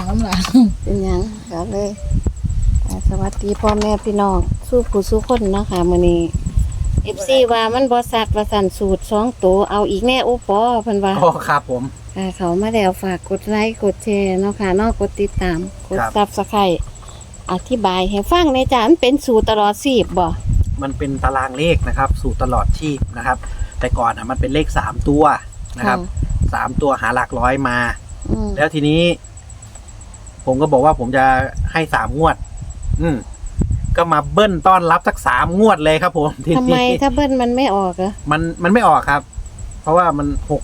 น้ำหลานเป็นหยังครับเลยสวัสดีพ่อแม่พี่น้องสู้ผู้สู้คนเนาะค่ะมื้อนี้ FC ว่ามันบ่ซัดว่าสั่นสูตร2ตัวเอาอีกแน่โอปอเพิ่นว่าอ๋อครับผมเขามาแล้วฝากกดไลค์กดแชร์เนาะค่ะเนาะกดติดตามกด Subscribe อธิบายให้ฟังในอยจ้ะมันเป็นสูตรตลอดชีพบ่มันเป็นตารางเลขนะครับ สู่ตลอดชีพนะครับ แต่ก่อนมันเป็นเลข3ตัวนะครับ3ตัวหาหลักร้อยมาแล้วทีนี้ ผมก็บอกว่าผมจะให้3งวด ก็มาเบิ้ลต้อนรับสัก3งวดเลยครับผมทำไมถ้าเบิ้ลมันไม่ออกเหรอมันไม่ออกครับ เพราะว่ามัน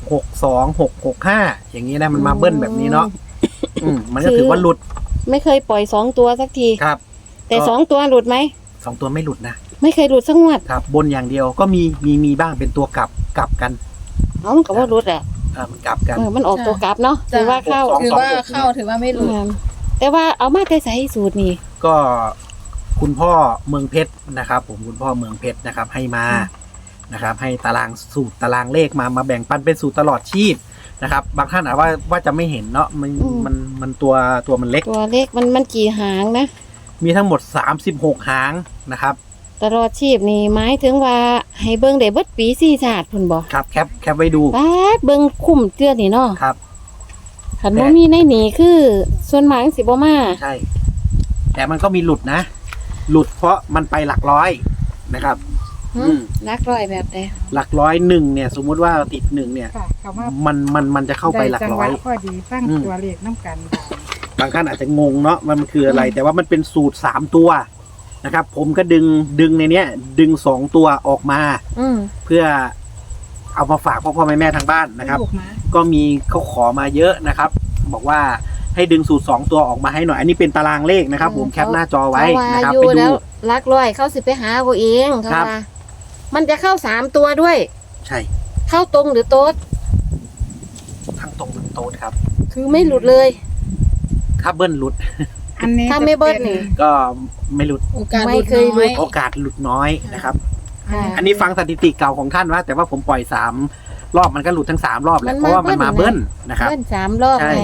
662 665อย่างนี้นะมันมาเบิ้ลแบบนี้เนาะมันก็ถือว่าหลุดไม่เคยปล่อย2ตัวสักทีครับแต่2ตัวหลุดไหม 2ตัวไม่หลุดนะไม่เคยหลุดสักงวดครับบนอย่างเดียวก็มีบ้างเป็นตัวกลับกันมันก็ว่าหลุดอ่ะมันกลับกันมันออกตัวกลับเนาะถือว่าเข้าถือว่าไม่หลุดแต่ว่าเอามาแต่ใส่สูตรนี่ก็คุณพ่อเมืองเพชรนะครับผมคุณพ่อเมืองเพชรนะครับให้มานะครับให้ตารางสูตรตารางเลขมาแบ่งปันเป็นสูตรตลอดชีพนะครับบางท่านอาจว่าจะไม่เห็นเนาะมันตัวมันเล็กตัวเล็กมันกี่หางนะมีทั้งหมด36หางนะครับตลอดชีพนี่หมายถึงว่าให้เบิ่งได้เบิดปี4ชาติพุ่นบ่ครับแคปไว้ดูป๊าดเบิ่งคุ้มเตื้อนี่เนาะครับคันบ่มีในนี่คือส่วนมากสิบ่มาใช่แต่มันก็มีหลุดนะหลุดเพราะมันไปหลักร้อยนะครับหลักร้อยแบบใดหลักร้อย1เนี่ยสมมุติว่าติด1เนี่ยมันจะเข้าไปหลักร้อยพอดีตั้งตัวเลขน้ำกันบางท่านอาจจะงงเนาะมันคืออะไรแต่ว่ามันเป็นสูตร3ตัวนะครับผมก็ดึงในเนี้ยดึง2ตัวออกมาเพื่อเอามาฝากพ่อแม่ทางบ้านนะครับก็มีเขาขอมาเยอะนะครับบอกว่าให้ดึงสูตร2ตัวออกมาให้หน่อยอันนี้เป็นตารางเลขนะครับผมแคปหน้าจอไว้นะครับไปดูหลักร้อยเข้าสิไปหาเขาเองครับมันจะเข้า3ตัวด้วยใช่เข้าตรงหรือโต๊ดทั้งตรงทั้งโต๊ดครับคือไม่หลุดเลยถ้าเบิ้ลหลุดอันนี้ถ้าไม่เบิ้ลนี่ก็ไม่หลุดโอกาสหลุดน้อยโอกาสหลุดน้อยนะครับอันนี้ฟังสถิติเก่าของท่านว่าแต่ว่าผมปล่อย3รอบมันก็หลุดทั้ง3รอบแหละเพราะว่ามันมาเบิ้ลนะครับเบิ้ล3รอบไง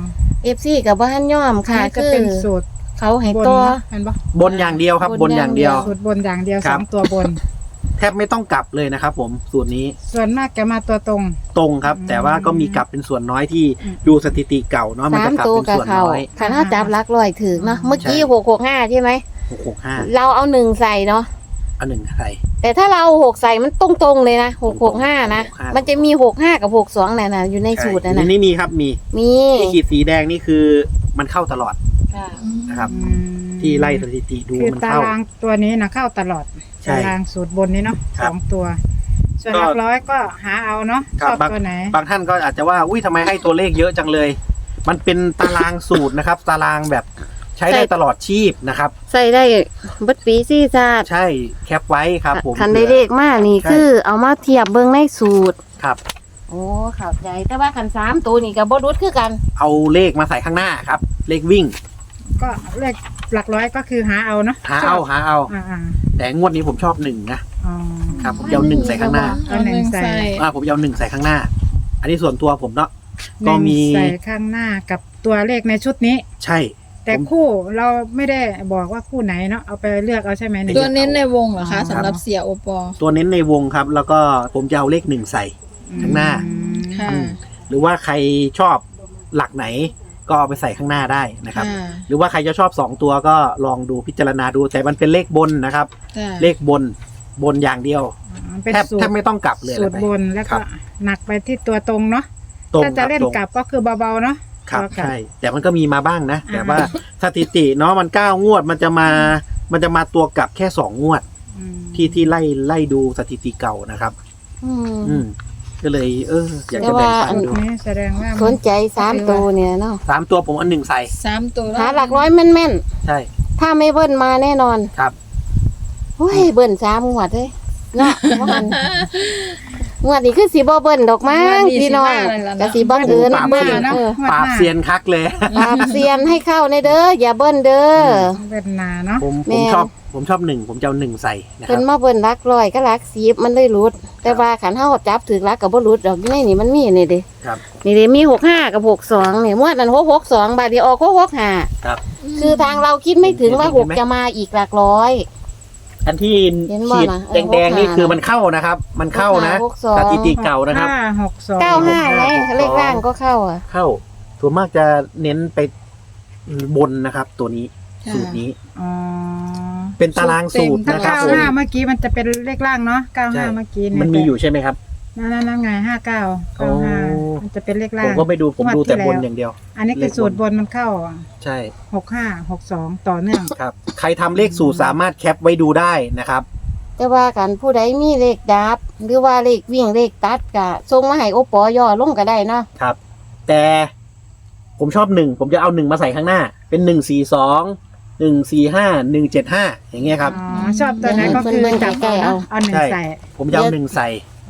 FC กับบ้านย่อมค่ะคือเป็นสูตรเขาให้ตัวบนอย่างเดียวครับบนอย่างเดียวสูตรบนอย่างเดียว2ตัวบนแทบไม่ต้องกลับเลยนะครับผมสูตรนี้ส่วนมากจะมาตัวตรงครับแต่ว่าก็มีกลับเป็นส่วนน้อยที่ดูสถิติเก่าเนาะมันจะกลับเป็นส่วนน้อยถ้าจับหลักร้อยถึงเนาะเมื่อกี้665ใช่ไหม 665 เราเอา1ใส่เนาะเอา1ใส่แต่ถ้าเรา6ใส่มันตรงๆเลยนะ665นะมันจะมี65กับ62น่ะอยู่ในสูตรนะนี่มีครับมีขีดสีแดงนี่คือมันเข้าตลอดนะครับที่ไล่สถิติดูมันเข้าตารางตัวนี้นะเข้าตลอดตารางสูตรบนนี้เนาะ2ตัวส่วนหลักร้อยก็หาเอาเนาะชอบตัวไหนบางท่านก็อาจจะว่าอุ้ยทำไมให้ตัวเลขเยอะจังเลยมันเป็นตารางสูตรนะครับตารางแบบใช้ได้ตลอดชีพนะครับใส่ได้บัดปีซี่ชาติใช่แคปไว้ครับผมคันได้เลขมากนี่คือเอามาเทียบเบิ่งในสูตรครับโอ้เข้าใจแต่ว่าคัน3ตัวนี่ก็บ่รุดคือกันเอาเลขมาใส่ข้างหน้าครับเลขวิ่งก็เลขหลักร้อยก็คือหาเอาเนาะหาเอาแต่งวดนี้ผมชอบ1นะครับผมเอา1ใส่ข้างหน้าเอา1ใส่ผมเอา1ใส่ข้างหน้าอันนี้ส่วนตัวผมเนาะก็มีใส่ข้างหน้ากับตัวเลขในชุดนี้ใช่แต่คู่เราไม่ได้บอกว่าคู่ไหนเนาะเอาไปเลือกเอาใช่ไหมตัวเน้นในวงเหรอคะสำหรับเสียโอปอตัวเน้นในวงครับแล้วก็ผมจะเอาเลข1ใส่ข้างหน้าหรือว่าใครชอบหลักไหนก็เอาไปใส่ข้างหน้าได้นะครับหรือว่าใครจะชอบ2ตัวก็ลองดูพิจารณาดูแต่มันเป็นเลขบนนะครับเลขบนอย่างเดียวแทบไม่ต้องกลับเลยสูตรบนแล้วก็หนักไปที่ตัวตรงเนาะถ้าจะเล่นกลับก็คือเบาๆเนาะครับใช่แต่มันก็มีมาบ้างนะแต่ว่าสถิติเนาะมัน9งวดมันจะมาตัวกลับแค่2งวดที่ไล่ดูสถิติเก่านะครับก็เลยอยากจะแบ่งปันดูแสดงว่าสนใจ3ตัวเนี่ยเนาะ 3ตัวผมเอา1ใส่ 3ตัวหาหลักร้อยแม่นๆใช่ถ้าไม่เบิ้ลมาแน่นอนครับโอ้ยเบิ้ล3งวดเลยเนาะมันงวดนี้คือสิบ่เบิ่นดอกมั้งงวดนี้พี่น้องสิมาเลยล่ะเนอะก็สิบังเอิญปราบมาเซียนเออปราบเซียนคักเลยปราบเซียนให้เข้าในเด้ออย่าเบิ่นเด้อเป็นนาเนาะผมแม่ผมชอบหนึ่งผมจะเอาหนึ่งใส่นะคเพิ่รับนมาเบิ่นรักร้อยก็รัก10มันเลยหลุด แต่ว่าขันเฮาจับถือรักก็บ่หลุดดอกอยู่ในนี่มันมีนี่เด้ครับนี่เด้มี65กับ62นี่งวดนั้น662บาดนี้ออก665 ครับคือทางเราคิดไม่ถึงว่า6จะมาอีกหลักร้อยอันที่เห็นบ่ขีดล่ะแดงๆนี่ 65 คือมันเข้านะครับ มันเข้านะ 62 สถิติเก่านะครับ 562 95ไงเลขล่างก็เข้าอ่ะเข้าส่วนมากจะเน้นไปบนนะครับ ตัวนี้ค่ะสูตรนี้อ๋อเป็นตารางสูตรถ้านะครับผม 95เมื่อกี้มันจะเป็นเลขล่างเนาะใช่ 95เมื่อกี้เยมันมีอยู่ใช่ไหมครับนั่นไง59 โอ้ 95มันจะเป็นเลขล่าผงมก็ไม่ดูผมดูแต่บนงวดที่แล้วอย่างเดียวอันนี้คือสูตรบนมันเข้าใช่ 65 62ต่อเนื่องครับ ใครทำเลขสูตรสามารถแคปไว้ดูได้นะครับแต่ว่ากันผู้ใดมีเลขดับ หรือว่าเลขวิ่งเลขตัดก็ส่งมาให้โอปอย่อลงก็ได้เนาะครับ แต่ผมชอบหนึ่งผมจะเอาหนึ่งมาใส่ข้างหน้า เป็น142 145 175อย่างเงี้ยครับอ๋อ ชอบตัวไหนก็คือจับเอาหนึ่งใส่ผมจะเอาหนึ่งใส่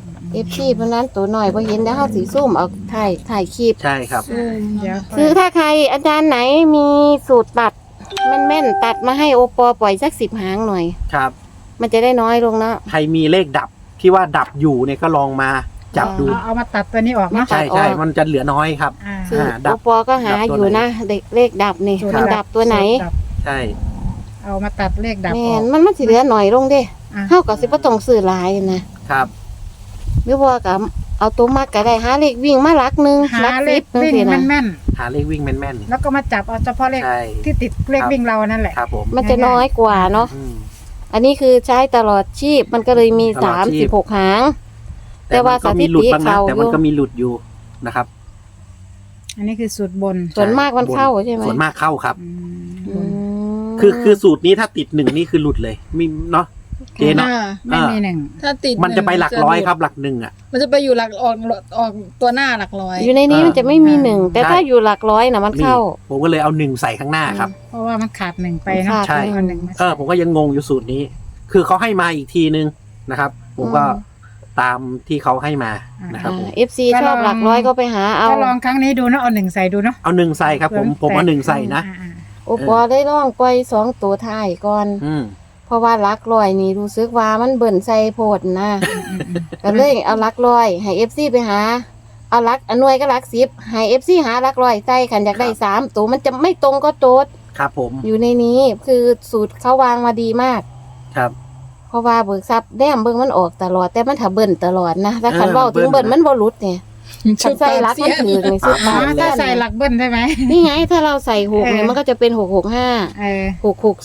FC เพราะนั้นตัวหน่อยบ่เห็นแล้วเฮาสิซุ่มเอาถ่ายคลิปใช่ครับเดี๋ยวคือถ้าใครอาจารย์ไหนมีสูตรตัดแม่นๆตัดมาให้โอปปล่อยสัก10หางหน่อยครับมันจะได้น้อยลงเนาะใครมีเลขดับที่ว่าดับอยู่เนี่ยก็ลองมาจับดูเอามาตัดตัวนี้ออกเนาะใช่ใช่มันจะเหลือน้อยครับอ่าคือดัโอบ ปก็หาดับตัวอยู่ไหนนะเลขดับนี่สูตรมันดับตัวไหนสูตรดับใช่เอามาตัดเลขดับแม่ออกนมันสิเหลือหน่อยลงเด้อ่ะเฮาก็สิบ่ต้องซื้อหลายนะครับ หรือว่าก็เอาตัวมักก็ได้หาเลขวิ่งมาหลักหนึงหาหลักเลสิขบจังวิ่งซี่นะแม่นหาเลขวิ่งแม่นๆแล้วก็มาจับเอาเฉพาะเลขๆใช่ที่ติดเลขวิ่งเรานั่นแหละครับผมมันจะน้อยกว่าเนาะอืมอันนี้คือใช้ตลอดชีพมันก็เลยมีตลอดชีพ 36หาง แต่แต่ว่ามันก็มีหลุดบ้างนะสถิติเขาแต่มันก็มีหลุดอยู่นะครับอันนี้คือสูตรบนส่วนมากมันเข้าใช่ไหมส่วนมากเข้าครับอืมอืมคือสูตรนี้ถ้าติดหนึ่งนี่คือหลุดเลยมีเนาะเจเนาะอ่าไม่มีหนึ่งถ้าติดมันจะไปหลักร้อยจะครับหลักหนึ่งอ่ะมันจะไปอยู่หลักออกตัวหน้าหลักร้อยอยู่ในนี้มันจะไม่มีหนึ่งแต่ใช่ถ้าอยู่หลักร้อยนะมันเข้าผมก็เลยเอาหนึ่งใส่ข้างหน้าครับเพราะว่ามันขาดหนึ่งไปเนาะขาดใช่เอาหนึ่งมาผมก็ยังงงอยู่สูตรนี้ คือเขาให้มาอีกทีนึงนะครับ ผมก็ตามที่เขาให้มานะครับผมเอฟซีชอบหลักร้อยก็ไปหาเอาก็ลองครั้งนี้ดูเนาะเอาหนึ่งใส่ดูเนาะเอาหนึ่งใส่ครับผมเอาหนึ่งใส่นะอ่าโอปอได้ลองปล่อย2ตัวท้ายก่อนอืมเพราะว่าหลักร้อยนี่รู้สึกว่ามันเบิ่นใส่โพดนะก็เลยเอาหลักร้อยให้เอฟซีไปหา เอาหลักอนหน่วยก็หลัก10ให้เอฟซีหาหลักร้อยใส่คันอยากได้3ตัวมันจะไม่ตรงก็โจทย์ครับผมอยู่ในนี้คือสูตรเขาวางมาดีมากครับเพราะว่าเบิกทรัพย์แนมเบิ่งมันออกตลอดแต่มันถ้าเบิ่นตลอดนะถ้าคันเออเว้าถึงเบิ่เบิ่นนนะมันบ่หลุดเนี่ยคันใส่หลักมันถือในสุดอ๋อมาถ้าใส่หลักเบิ้ลใช่ไหมนี่ไงถ้าเราใส่6เนี่ยมันก็จะเป็น665 เออ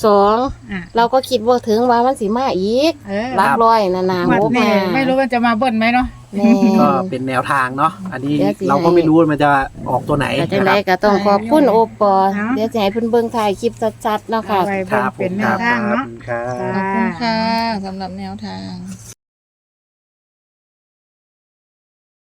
662 อ่ะเราก็คิดว่าถึงว่ามันสิมาอีกเออหลักร้อยน่ะนะหมดโอ้นี่มาไม่รู้ว่าจะมาเบิ้ลไหมเนาะแม่ก็เป็นแนวทางเนาะอันนี้เดี๋ยวสิเราก็ไม่รู้ว่ามันจะออกตัวไหนแต่จังนะคไดรับก็ต้องขอบคุณโอปอเนาะเดี๋ยวจะให้เพิ่นเบิ่งถ่ายคลิปชัดๆเนาะค่ะเอาไว้คเบิ้รัลบผเป็นมแนคว รับทางเนาะครับขอบคุณค่ะสำหรับแนวทาง